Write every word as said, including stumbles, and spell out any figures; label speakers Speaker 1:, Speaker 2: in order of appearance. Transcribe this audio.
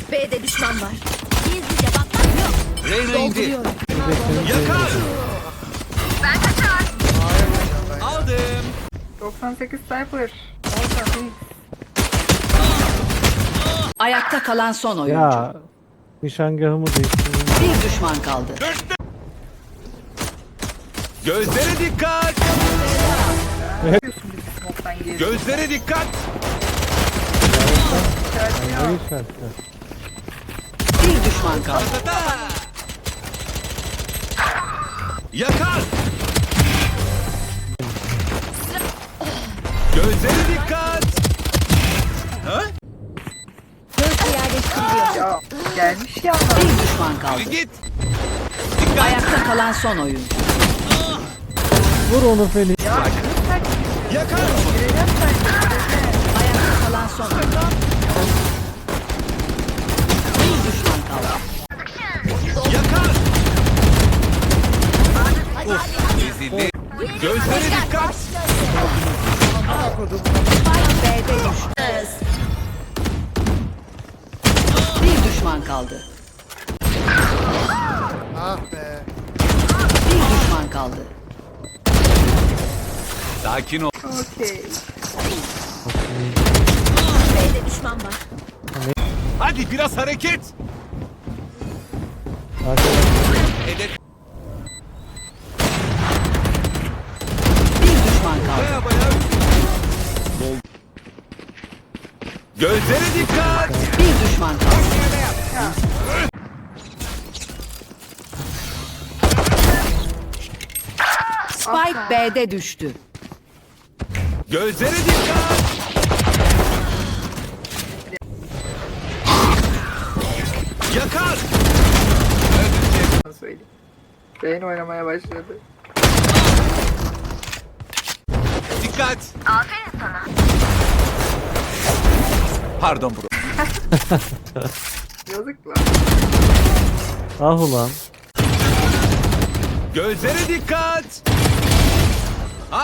Speaker 1: B'de düşman var. Gizlice bakmak yok.
Speaker 2: Reyna indi. Yakar. Ben kaçar. Aldım.
Speaker 3: doksan sekiz Cypher. Orada Phoenix.
Speaker 4: Ayakta kalan son oyuncu.
Speaker 5: Ya nişangahımı değiştirdim.
Speaker 4: Bir düşman kaldı.
Speaker 2: Gözlere dikkat.
Speaker 3: Diyorsun biz smoke'tan geri.
Speaker 2: Gözlere dikkat.
Speaker 5: Hangi şartlar?
Speaker 4: Bir düşman kaldı.
Speaker 2: Yakar. Gözlere dikkat. Ha?
Speaker 1: Gözle yerleştiriliyor.
Speaker 3: Ya gelmiş ya.
Speaker 4: Bir düşman kaldı.
Speaker 2: Git.
Speaker 4: Ayakta kalan son oyuncu.
Speaker 5: Vur onu Feli.
Speaker 2: Yakar.
Speaker 4: Ayakta kalan son oyuncu. Bir düşman kaldı.
Speaker 2: Yakar. Ezildi. Gözlere dikkat.
Speaker 4: B'de düştü. Bir düşman kaldı.
Speaker 6: Ah be.
Speaker 4: Bir düşman kaldı.
Speaker 2: Sakin ol.
Speaker 3: Okey.
Speaker 1: B'de düşman var.
Speaker 2: Hadi biraz hareket. Hedef.
Speaker 4: Bir düşman kaldı.
Speaker 2: Baya baya. Bol. Gözlere dikkat.
Speaker 4: Bir düşman kaldı. Spike B'de düştü.
Speaker 2: Gözlere dikkat. Yakar.
Speaker 3: Nasıl söyleyeyim. Beyin oynamaya başladı.
Speaker 2: Dikkat. Aferin sana. Pardon bro.
Speaker 3: Yazık lan.
Speaker 5: Ah ulan.
Speaker 2: Gözlere dikkat.